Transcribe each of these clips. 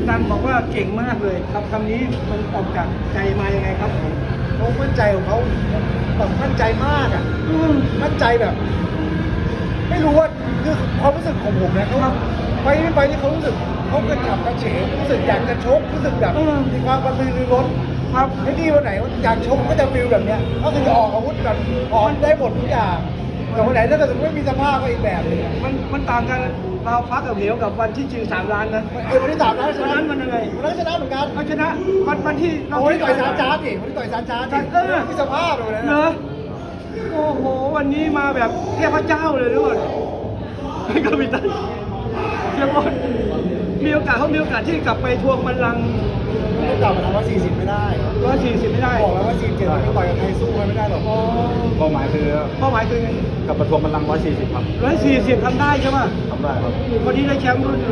นันบอกว่าเก่งมากเลยครับคำนี้มันออกจากใจมายังไงครับผมเขามั่นใจของเขาแบบมั่นใจมากอ่ะมั่นใจแบบ ไม่รู้ว่าคือความรู้สึกของผมนะเขาไปที่เขารู้สึกเขากระฉับกระเฉงรู้สึกอยากจะชกรู้สึกแบบมีความกระตือรือร้นครับไอ้นี่วันไหนอยากชกก็จะฟีลแบบเนี้ยก็คือจะออกอาวุธแบบออกได้หมดทุกอย่างแต่วันไหนถ้าเกิดไม่มีสภาพก็อีกแบบนึงมันต่างกันเราฟักกับเหนียวกับวันที่ชิง3 ล้านนะวันที่3 ล้านชวันนะนั้นมันยังไงวันนั้นชนะเหมือนกันเราชนะวันที่เราโอ้ยต่อยซานจาร์ดดิวันที่ต่อยซานจาร์ดดิมีสภาพเลยนะเหรอโอ้โหวันนี้มาแบบเทพเจ้าเลยด้วยไม่ก็มีตันเชียร์บอลมีโอกาสที่กลับไปทวงบัลลังก์ไม่กลับมาทำ140ไม่ได้ 140ไม่ได้บอกแล้วว่า47ไม่ต่อยกับใครสู้ไม่ได้หรอกเป้าหมายคือเป้าหมายคือกับประท้วงบัลลังก์140 ครับ 140ทำได้ใช่ป่ะทำได้ครับวันนี้ได้แชมป์รุ่น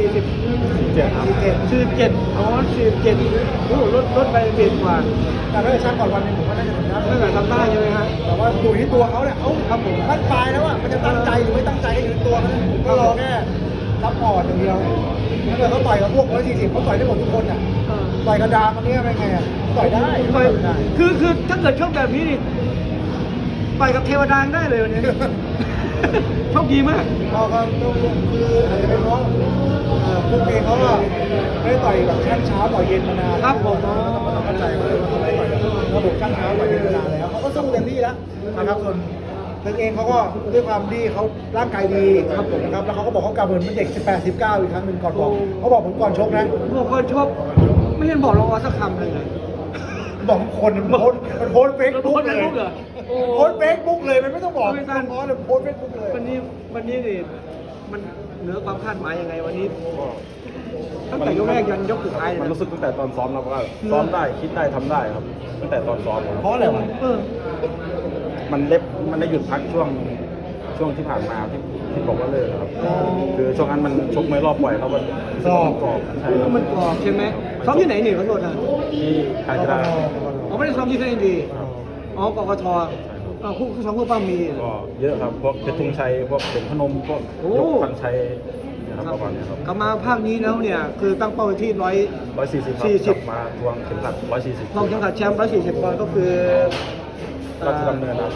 140 7ครับ 47อ๋อ47โอ้ลดไปเจ็ดกว่าแต่ถ้าเกิดช่างก่อนวันหนึงผมว่าน่าจะทำได้ถ้าเกิดทำได้ใช่ไหมฮะแต่ว่าอยู่ที่ตัวเขาเนี่ยเขาครับผมตั้งปลายแล้วอ่ะมันจะตั้งใจหรือไม่ตั้งใจก็อยู่ที่ตัวมันผมก็รอแค่ซัพพอร์ตอย่างเดียวถ้าเกิดเขาต่อยกับพวก140เขาต่อยได้หมดทุกคนอ่ะต่อยกระดามอันนี้เป็นไงอ่ะต่อยได้คือถ้าเกิดชกแบบนี้นี่ต่อยกับเทวดาได้เลยวันนี้ โชคดีมากเราก็คืออาจจะเป็นเพราะพวกเองเขาก็ไม่ได้ต่อยแบบช่างเช้าต่อยเย็นมานานครับผมต้องเข้าใจว่าเขาไม่ได้ต่อยแบบระบบช่างเช้าต่อยเย็นมานานแล้วเขาก็สู้เต็มที่แล้วนะครับส่วนตึงเองเขาก็ด้วยความที่เขาร่างกายดีครับผมนะครับแล้วเขาก็บอกเขากลับเหมือนเป็นเด็ก18 19อีกครั้งหนึ่งก่อนบอกเขาบอกผมก่อนชกนะบอกคนชกไม่เห็นบอกเราสักคำเลยไงบอกคนมันโพสเฟซบุ๊กเลยเหรอโอ้โพสเฟซบุ๊กเลยมันไม่ต้องบอกไม่ทันโพสเลยโพสเฟซบุ๊กเลยวันนี้นี่มันเหนือความคาดหมายยังไงวันนี้ตั้งแต่ยกแรกยันยกสุดท้ายมันรู้สึกตั้งแต่ตอนซ้อมแล้วว่าซ้อมได้คิดได้ทำได้ครับ ตั้งแต่ตอนซ้อมครับเพราะอะไรวะมันได้หยุดพักช่วงที่ผ่านมาที่บอกว่าเลิกครับ คือช่วงนั้นมันชกมวยรอบปล่อยเขามันกรอบใช่ครับมันกรอบใช่ไหมซ้อมที่ไหนนี่ขอโทษนะที่การกีฬาอ๋อไม่ได้ซ้อมที่เทนดีอ๋อกกทคู่ซ้อมคู่ป้ามีก็เยอะครับพวกเพชรธงชัยพวกเด่นพนมพวกยกพันชัยนะครับประมาณนี้ครับกลับมาภาคนี้แล้วเนี่ยคือตั้งเป้าไว้ที่ 140ครับกลับมาทวงเข็มขัด140 ลองเข็มขัดแชมป์140ปอนด์ก็คือราชดำเนินครับ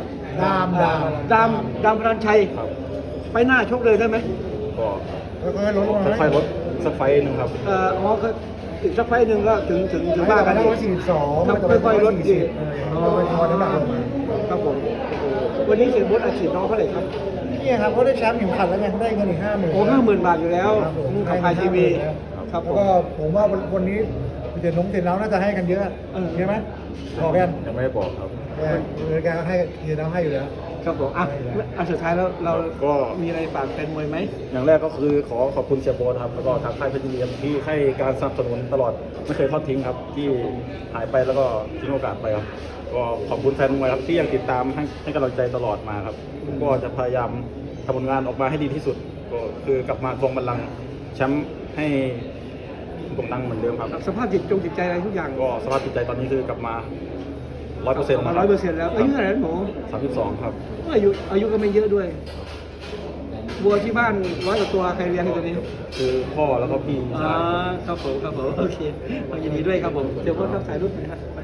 ดามพลันชัยครับไปหน้าชกเลยได้ไหมก็ค่อยๆลดลงมาค่อยๆลดสักไฟต์หนึ่งครับอ๋อก็อีกสักไฟล์หนึ่งก็ถึงถึงบ้าบ้าน นกักัน นได้ 142 ครับค่อยๆลดอีกไปทอน้ำหนักลงมาครับผมวันนี้เสียบดอาชีพน้องเท่าไหร่ครับนี่ครับเขาได้แชมป์เข็มขัดแล้วไงเขาได้เงินอีก50,000 โอ้50,000 บาทอยู่แล้วกับไอทีวีครับผแล้วมก็ผมว่าวันนี้เดี๋ยวน้องเสร็จแล้วน่าจะให้กันเยอะใช่ไหมบอกกันยังไม่ได้บอกครับแกก็ให้เดี๋ยวน้องให้อยู่แล้วครับผมอันสุดท้ายแล้วเราก็มีอะไรฝากแฟนมวยไหมอย่างแรกก็คือขอขอบคุณเสียโบทครับแล้วก็ทางค่ายเพชรยินดีที่ให้การสนับสนุนตลอดไม่เคยทอดทิ้งครับ ที่หายไปแล้วก็ทิ้งโอกาสไปครับก็ขอบคุณแฟนมวยครับที่ยังติดตามให้กำลังใจตลอดมาครับก็จะพยายามทำผลงานออกมาให้ดีที่สุดก็คือกลับมาทวงบัลลังก์แชมป์ให้โด่งดังเหมือนเดิมครับสภาพจิตใจอะไรทุกอย่างก็สภาพจิตใจตอนนี้คือกลับมา 100% มา100%แล้วอายุเท่าไหร่หนู 32ครับอายุก็ไม่เยอะด้วยบัวที่บ้าน100 กว่าตัวใครเลี้ยงให้ตัวนี้คือพ่อแล้วก็พี่ชายครับผมโอเคยินดีด้วยครับผมเดี๋ยวพ่อรับสายรุ่นหน่อยครับไป